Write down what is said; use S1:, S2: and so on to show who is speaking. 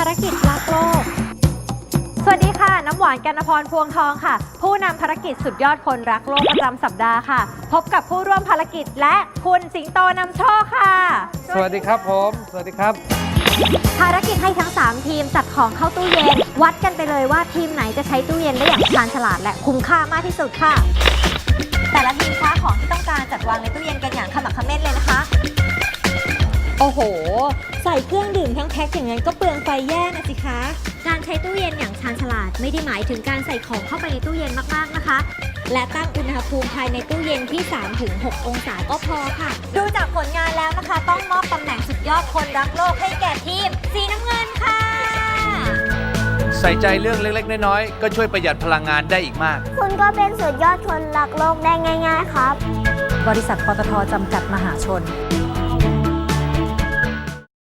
S1: ารกิจรักโลกสวัสดีค่ะน้ำหวานกนพรพวงทองค่ะผู้นำภารกิจสุดยอดคนรักโลกประจำสัปดาห์ค่ะพบกับผู้ร่วมภารกิจและคุณสิงโตนำโชคค่ะ
S2: สวัสดีครับผมสวัสดีครับ
S1: ภารกิจให้ทั้ง3ทีมจัดของเข้าตู้เย็นวัดกันไปเลยว่าทีมไหนจะใช้ตู้เย็นได้อย่างชาญฉลาดและคุ้มค่ามากที่สุดค่ะแต่ละทีมค้าของที่ต้องการจัดวางในตู้เย็นกันอย่างขมักเขม้นเลยนะคะโอ้โหใส่เครื่องดื่มทั้งแพ็คอย่างนั้นก็เปลืองไฟแย่นะสิคะการใช้ตู้เย็นอย่างชาญฉลาดไม่ได้หมายถึงการใส่ของเข้าไปในตู้เย็นมากๆนะคะและตั้งอุณหภูมิภายในตู้เย็นที่ 3-6 องศาก็พอค่ะดูจากผลงานแล้วนะคะต้องมอบตำแหน่งสุดยอดคนรักโลกให้แก่ทีมสีน้ำเงินค่ะ
S2: ใส่ใจเรื่องเล็กๆน้อยๆก็ช่วยประหยัดพลังงานได้อีกมาก
S3: คุณก็เป็นสุดยอดคนรักโลกได้ง่ายๆครับ
S1: บริษัทปตท.จำกัดมหาชน